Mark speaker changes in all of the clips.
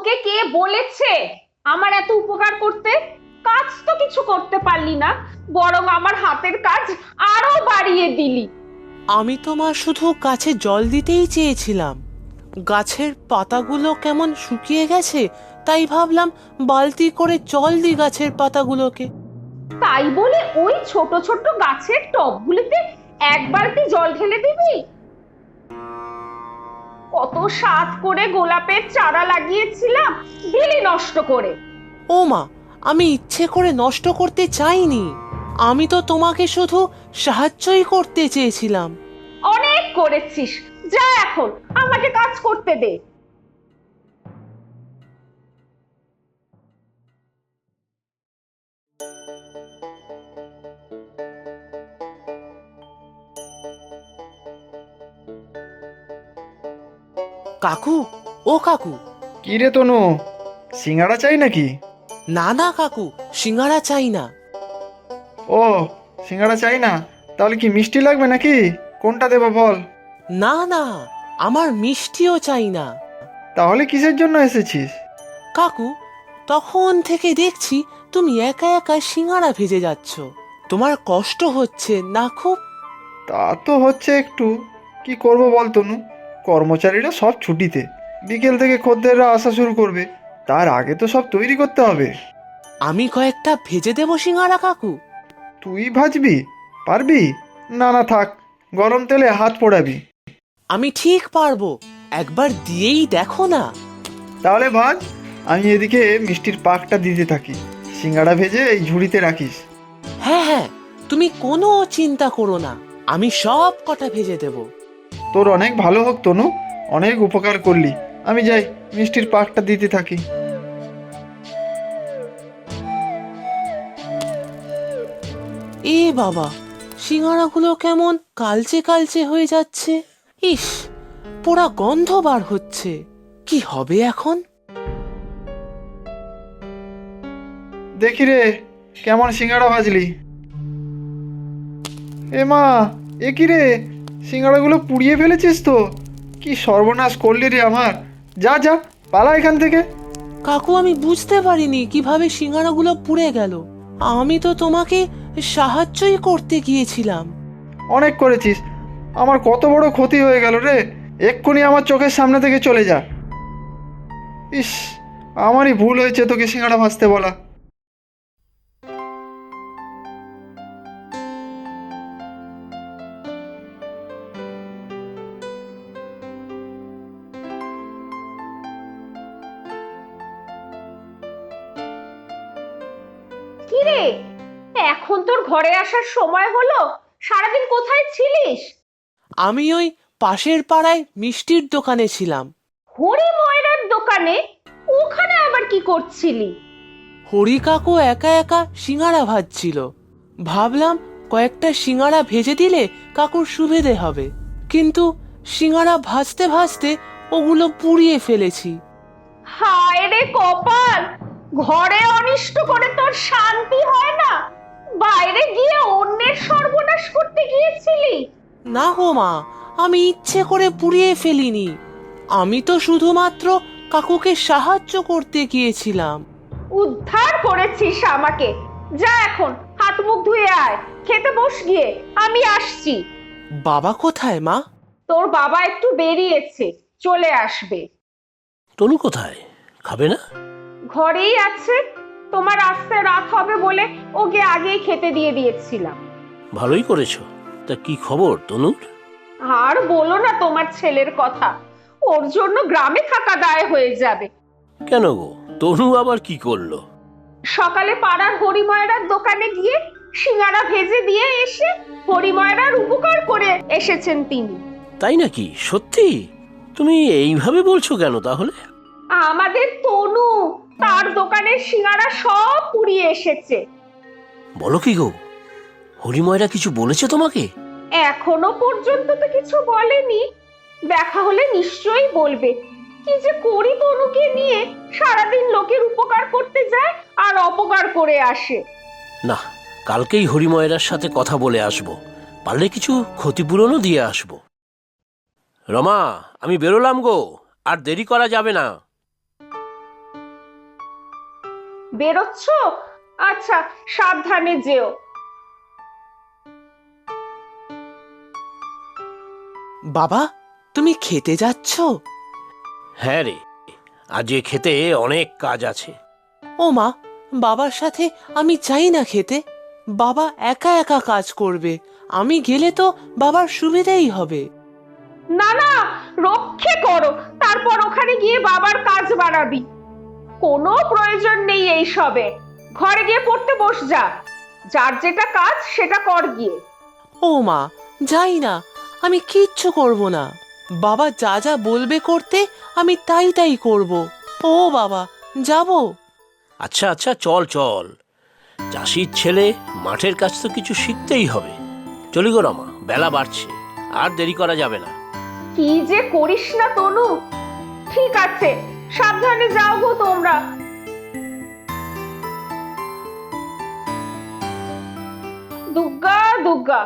Speaker 1: তোকে কে বলেছে আমার এত উপকার করতে? কাজ তো কিছু করতে পারলি না, বরং আমার হাতের কাজ আরো বাড়িয়ে দিলি।
Speaker 2: আমি তো মা শুধু গাছে জল দিতেই চেয়েছিলাম। গাছের পাতাগুলো কেমন শুকিয়ে গেছে, তাই ভাবলাম বালতি করে জল দিই গাছের পাতাগুলোকে।
Speaker 1: তাই বলে ওই ছোট ছোট গাছের টবগুলিতে এক বালতি জল ঢেলে দিবি? কত সাত করে গোলাপের চারা লাগিয়েছিলাম, দিলি নষ্ট করে।
Speaker 2: ও মা, আমি ইচ্ছে করে নষ্ট করতে চাইনি। আমি তো তোমাকে শুধু সাহায্যই করতে চেয়েছিলাম।
Speaker 1: অনেক করেছিস, যা এখন আমাকে কাজ করতে দে।
Speaker 2: কাকু, ও কাকু।
Speaker 3: কি রে তনু, সিঙ্গাড়া চাই নাকি?
Speaker 2: না না কাকু, সিঙ্গারা চাই না।
Speaker 3: ও, সিঙ্গাড়া চাই না? তাহলে কি মিষ্টি লাগবে নাকি? কোনটা দেবো বল?
Speaker 2: না না, আমার মিষ্টিও চাই না।
Speaker 3: তাহলে কিসের জন্য এসেছিস?
Speaker 2: কাকু, তখন থেকে দেখছি তুমি একা একা সিঙ্গারা ভেজে যাচ্ছ। তোমার কষ্ট হচ্ছে না খুব?
Speaker 3: তা তো হচ্ছে একটু। কি করব বল তনু, কর্মচারীরা সব ছুটিতে, বিকেল থেকে খদ্দেররা আসা শুরু করবে, তার আগে তো সব তৈরি করতে হবে।
Speaker 2: আমি কয়েকটা ভেজে দেবো সিঙ্গারা কাকু।
Speaker 3: তুই ভাজবি? পারবি? না না থাক, গরম তেলে হাত পোড়াবি।
Speaker 2: আমি ঠিক পারবো, একবার দিয়েই দেখো না।
Speaker 3: তাহলে ভাজ, আমি এদিকে মিষ্টির পাকটা দিতে থাকি। সিঙ্গাড়া ভেজে এই ঝুড়িতে রাখিস।
Speaker 2: হ্যাঁ হ্যাঁ, তুমি কোনো চিন্তা করো না, আমি সব কটা ভেজে দেব।
Speaker 3: তোর অনেক ভালো হোক তনু, অনেক উপকার করলি। আমি যাই, মিষ্টির পাকটা দিতে থাকি।
Speaker 2: এ বাবা, সিঙ্গারাগুলো কেমন কালচে কালচে হয়ে যাচ্ছে। ইস, পোড়া গন্ধ বার হচ্ছে। কি হবে এখন?
Speaker 3: দেখি রে, কেমন সিঙ্গাড়া ভাজলি? এ মা, এ কি রে, সিঙ্গাড়াগুলো পুড়িয়ে ফেলেছিস তো? কি সর্বনাশ করলি রে আমার! যা যা, পালা এখান থেকে।
Speaker 2: কাকু, আমি বুঝতে পারিনি কিভাবে সিঙ্গারাগুলো পুড়ে গেল। আমি তো তোমাকে সাহায্যই করতে গিয়েছিলাম।
Speaker 3: অনেক করেছিস, আমার কত বড় ক্ষতি হয়ে গেল রে। এক্ষুনি আমার চোখের সামনে থেকে চলে যা। ইস, আমারই ভুল হয়েছে তোকে সিঙ্গাড়া ভাজতে বলা।
Speaker 1: কি রে, এখন তোর ঘরে আসার সময় হলো? সারাদিন কোথায় ছিলিস?
Speaker 2: আমি ওই পাশের পাড়ায় মিষ্টির দোকানে ছিলাম।
Speaker 1: হরি ময়রার দোকানে? ওখানে আবার কি করছিলি?
Speaker 2: হরি কাকু একা একা সিঙ্গারা ভাজছিল। ভাবলাম কয়েকটা সিঙ্গারা ভেজে দিলে কাকুর সুবিধে হবে, কিন্তু সিঙ্গারা ভাজতে ভাজতে ওগুলো পুড়িয়ে ফেলেছি।
Speaker 1: হায় রে কপাল, ঘরে অনিষ্ট করে তোর শান্তি হয় না, বাইরে গিয়ে অন্যের সর্বনাশ করতে গিয়েছিলি?
Speaker 2: না গো মা, আমি ইচ্ছে করে পুড়িয়ে ফেলিনি। আমি তো শুধুমাত্র কাকুকে সাহায্য করতে গিয়েছিলাম।
Speaker 1: উদ্ধার করেছিস আমাকে। যা এখন হাত মুখ ধুয়ে আয়, খেতে বস গিয়ে, আমি আসছি।
Speaker 2: বাবা কোথায় মা?
Speaker 1: তোর বাবা একটু বেরিয়েছে, চলে আসবে।
Speaker 4: তনু কোথায়? খাবে না?
Speaker 1: ঘরেই আছে, তোমার আসতে রাত হবে বলে ওকে আগেই খেতে দিয়ে দিয়েছিলাম।
Speaker 4: ভালোই করেছো। তা কি খবর তনুর?
Speaker 1: আর বলো না তোমার ছেলের কথা, ওর জন্য গ্রামে থাকা দায় হয়ে যাবে।
Speaker 4: কেন গো, তনু আবার কি করলো?
Speaker 1: সকালে পাড়ার হরিময়রার দোকানে গিয়ে সিঙ্গারা ভেজে দিয়ে এসে হরিময়রার উপকার করে এসেছেন তিনি।
Speaker 4: তাই নাকি? সত্যি? তুমি এইভাবে বলছো কেন তাহলে?
Speaker 1: আমাদের তনু তার দোকানের সিঙ্গারা সব পুড়িয়ে এসেছে।
Speaker 4: বলো কি গো, হরিময়রা কিছু বলেছে তোমাকে?
Speaker 1: এখনো পর্যন্ত তো কিছু বলেনি, দেখা হলে নিশ্চয়ই বলবে। কি যে করি তনুকে নিয়ে, সারাদিন লোকের উপকার করতে যায় আর অপকার করে আসে।
Speaker 4: না, কালকেই হরিময়রার সাথে কথা বলে আসবো, পারলে কিছু ক্ষতিপূরণও দিয়ে আসবো। রমা, আমি বেরোলাম গো, আর দেরি করা যাবে না।
Speaker 1: বেরোচ্ছ? আচ্ছা, সাবধানে যেও।
Speaker 2: বাবা, তুমি খেতে যাচ্ছ?
Speaker 4: হ্যাঁ রে, আজ এ খেতে অনেক কাজ আছে।
Speaker 2: ও মা, বাবার সাথে আমি চাই না খেতে। বাবা একা একা কাজ করবে, আমি গেলে তো বাবার সুবিধেই হবে।
Speaker 1: না না, রক্ষে করো, তারপর ওখানে গিয়ে বাবার কাজ বাড়াবি। কোনো প্রয়োজন নেই এই সবে। ঘরে গিয়ে পড়তে বস যা। যার যেটা কাজ সেটা কর গিয়ে।
Speaker 2: ও মা, যাই না, আমি কিচ্ছু করব না। বাবা যা যা বলবে করতে আমি তাই তাই করব। ও বাবা, যাব।
Speaker 4: আচ্ছা আচ্ছা, চল চল, চাষির ছেলে, মাঠের কাজ তো কিছু শিখতেই হবে। চলি গো রমা, বেলা বাড়ছে, আর দেরি করা যাবে না।
Speaker 1: কি যে করিস না তনু। ঠিক আছে, সাবধানে যাও গো তোমরা। দুগ্গা দুগ্গা।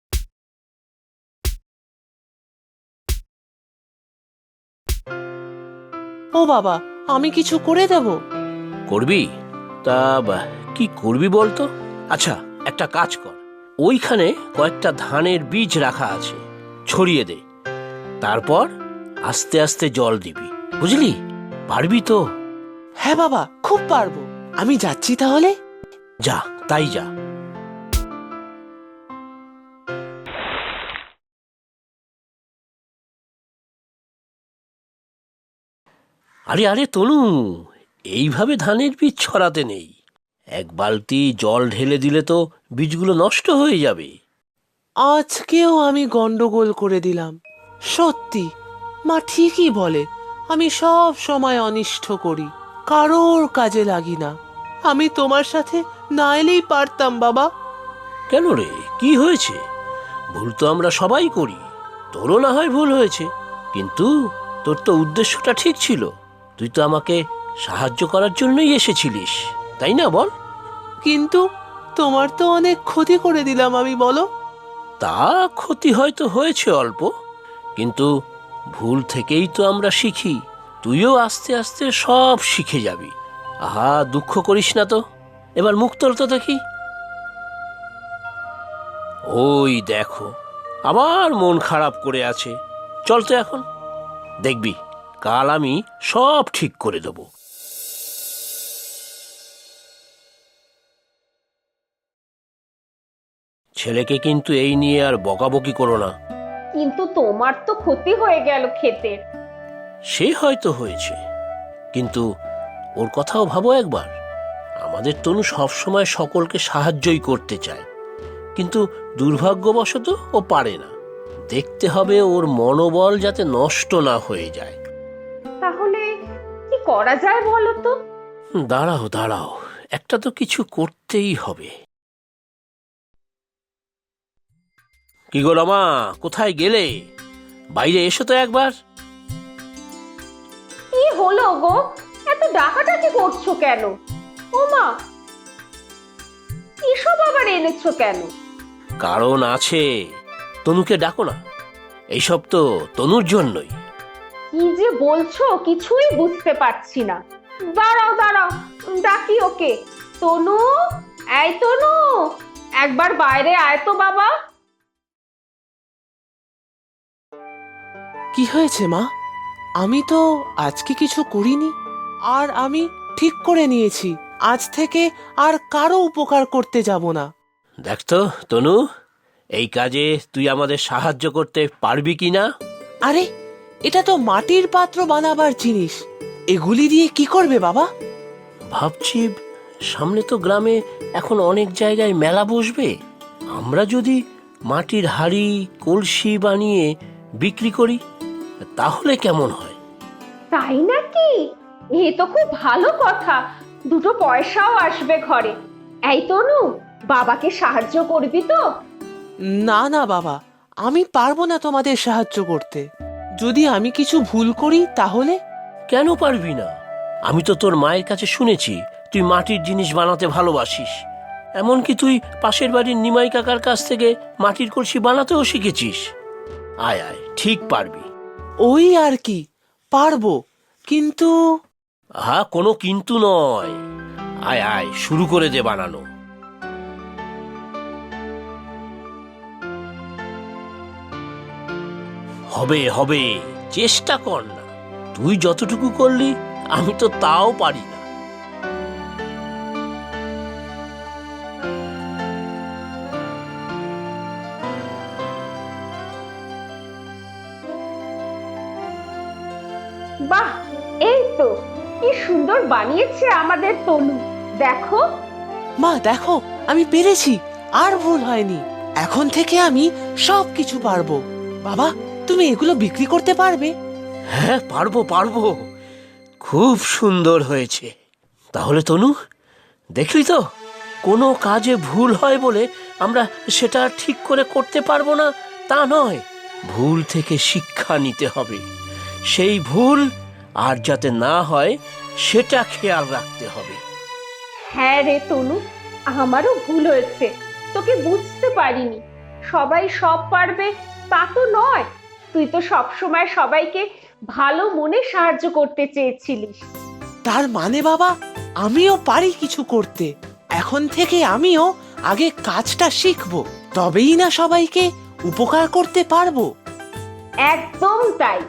Speaker 2: ও বাবা, আমি কিছু করে দেব?
Speaker 4: করবি? তা কি করবি বলতো? আচ্ছা, একটা কাজ কর, ওইখানে কয়েকটা ধানের বীজ রাখা আছে, ছড়িয়ে দে। তারপর আস্তে আস্তে জল দিবি, বুঝলি? পারবি তো?
Speaker 2: হ্যাঁ বাবা, খুব পারবো। আমি যাচ্ছি তাহলে।
Speaker 4: যা, তাই যা। আরে আরে তনু, এইভাবে ধানের বীজ ছড়াতে নেই। এক বালতি জল ঢেলে দিলে তো বীজগুলো নষ্ট হয়ে যাবে।
Speaker 2: আজকেও আমি গন্ডগোল করে দিলাম। সত্যি, মা ঠিকই বলে, আমি সব সময় অনিষ্ট করি, কারোর কাজে লাগি না। আমি তোমার সাথে না এলেই পারতাম বাবা।
Speaker 4: কেন রে, কি হয়েছে? ভুল তো আমরা সবাই করি, তোরও না হয় ভুল হয়েছে, কিন্তু তোর তো উদ্দেশ্যটা ঠিক ছিল। তুই তো আমাকে সাহায্য করার জন্যই এসেছিলিস, তাই না বল?
Speaker 2: কিন্তু তোমার তো অনেক ক্ষতি করে দিলাম আমি, বলো।
Speaker 4: তা ক্ষতি হয়তো হয়েছে অল্প, কিন্তু ভুল থেকেই তো আমরা শিখি। তুইও আস্তে আস্তে সব শিখে যাবি। আহা, দুঃখ করিস না তো, এবার মুখ তোল তো দেখি। ওই দেখো, আবার মন খারাপ করে আছে। চল তো এখন, দেখবি কাল আমি সব ঠিক করে দেব। ছেলেকে কিন্তু এই নিয়ে আর বকাবকি করো না।
Speaker 1: কিন্তু তোমার তো ক্ষতি হয়ে গেল ক্ষেতের।
Speaker 4: সে হয়তো হয়েছে, কিন্তু ওর কথাও ভাবো একবার। আমাদের তনু সবসময় সকলকে সাহায্যই করতে চায়, কিন্তু দুর্ভাগ্যবশত ও পারে না। দেখতে হবে ওর মনোবল যাতে নষ্ট না হয়ে যায়।
Speaker 1: তাহলে কি করা যায় বলো তো?
Speaker 4: দাঁড়াও দাঁড়াও, একটা তো কিছু করতেই হবে। কি গো রমা, কোথায় গেলে? বাইরে এসো তো একবার।
Speaker 1: কি হলো গো, এত ডাকাডাকি করছো কেন? ও মা, এসব আবার এনেছো কেন?
Speaker 4: কারণ আছে, তনুকে ডাকো না। এইসব তো তনুর জন্যই।
Speaker 1: কি যে বলছো কিছুই বুঝতে পারছি না। দাঁড়াও দাঁড়াও, ডাকি ওকে। তনু, এই তনু, একবার বাইরে আয় তো বাবা।
Speaker 2: কি হয়েছে মা? আমি তো আজকে কিছু করিনি। আর আমি ঠিক করে নিয়েছি, আজ থেকে আর কারো উপকার করতে যাব না।
Speaker 4: দেখ তো তনু, এই কাজে তুই আমাদের সাহায্য করতে পারবি কি না?
Speaker 2: আরে, এটা তো মাটির পাত্র বানাবার জিনিস, এগুলি দিয়ে কি করবে বাবা?
Speaker 4: ভাবছি, সামনে তো গ্রামে এখন অনেক জায়গায় মেলা বসবে। আমরা যদি মাটির হাঁড়ি, কলসি বানিয়ে বিক্রি করি, তাহলে কেমন হয়?
Speaker 1: তাই নাকি? এ তো খুব ভালো কথা, দুটো পয়সাও আসবে ঘরে। এই তনু, বাবাকে সাহায্য করবি তো?
Speaker 2: না না বাবা, আমি পারবো না তোমাদের সাহায্য করতে। যদি আমি কিছু ভুল করি তাহলে?
Speaker 4: কেন পারবি না? আমি তো তোর মায়ের কাছে শুনেছি তুই মাটির জিনিস বানাতে ভালোবাসিস। এমনকি তুই পাশের বাড়ির নিমাই কাকার কাছ থেকে মাটির কলসি বানাতেও শিখেছিস। আয় আয়, ঠিক পারবি।
Speaker 2: ওই আর কি, পারবো, কিন্তু
Speaker 4: আহা, কোনো কিন্তু নয়। আয় আয় শুরু করে দে বানানো। হবে হবে, চেষ্টা কর না। তুই যতটুকু করলি আমি তো তাও পারি না।
Speaker 1: বাহ, এই তো কি সুন্দর বানিয়েছে আমাদের তনু। দেখো।
Speaker 2: মা দেখো, আমি পেরেছি, আর ভুল হয়নি। এখন থেকে আমি সব কিছু পারবো। বাবা, তুমি এগুলো বিক্রি করতে পারবে?
Speaker 4: হ্যাঁ, পারবো পারবো, খুব সুন্দর হয়েছে। তাহলে তনু, দেখলি তো, কোনো কাজে ভুল হয় বলে আমরা সেটা ঠিক করে করতে পারবো না তা নয়। ভুল থেকে শিক্ষা নিতে হবে। সেই ভুল আর যাতে না হয় সেটা খেয়াল রাখতে হবে।
Speaker 1: হ্যাঁ রে তনু, আমারও ভুল হয়েছে, তোকে বুঝতে পারিনি। সবাই সব পারবে তা তো নয়। তুই তো সব সময় সবাইকে ভালো মনে সাহায্য করতে চেয়েছিলিস।
Speaker 2: তার মানে বাবা, আমিও পারি কিছু করতে। এখন থেকে আমিও আগে কাজটা শিখবো, তবেই না সবাইকে উপকার করতে পারবো।
Speaker 1: একদম তাই।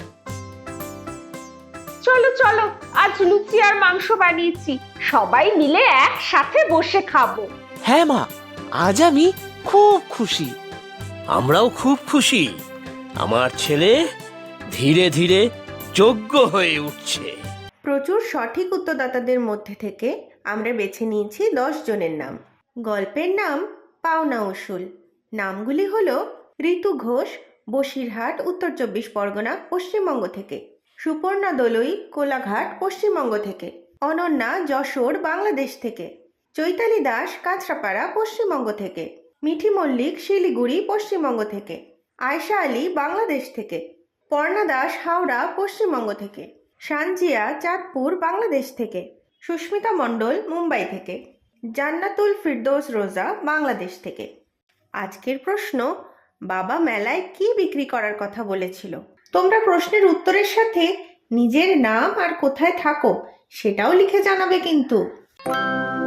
Speaker 1: চলো চলো, আজ লুচি আর মাংস বানিয়েছি, সবাই মিলে একসাথে বসে খাবো।
Speaker 2: হ্যাঁ মা, আজ আমি খুব খুশি।
Speaker 4: আমরাও খুব খুশি। আমার ছেলে ধীরে ধীরে যোগ্য হয়ে উঠছে।
Speaker 5: প্রচুর সঠিক উত্তরদাতাদের মধ্যে থেকে আমরা বেছে নিয়েছি 10 জনের নাম। গল্পের নাম পাওনা উসুল। নামগুলি হলো ঋতু ঘোষ, বসিরহাট, উত্তর 24 পরগনা, পশ্চিমবঙ্গ থেকে। সুপর্ণা দলুই, কোলাঘাট, পশ্চিমবঙ্গ থেকে। অনন্যা, যশোর, বাংলাদেশ থেকে। চৈতালি দাস, কাঁচরাপাড়া, পশ্চিমবঙ্গ থেকে। মিঠি মল্লিক, শিলিগুড়ি, পশ্চিমবঙ্গ থেকে। আয়শা আলী, বাংলাদেশ থেকে। পর্ণা দাস, হাওড়া, পশ্চিমবঙ্গ থেকে। সানজিয়া, চাঁদপুর, বাংলাদেশ থেকে। সুস্মিতা মণ্ডল, মুম্বাই থেকে। জান্নাতুল ফিরদৌস রোজা, বাংলাদেশ থেকে। আজকের প্রশ্ন, বাবা মেলায় কি বিক্রি করার কথা বলেছিল? তোমরা প্রশ্নের উত্তরের সাথে নিজের নাম আর কোথায় থাকো সেটাও লিখে জানাবে কিন্তু।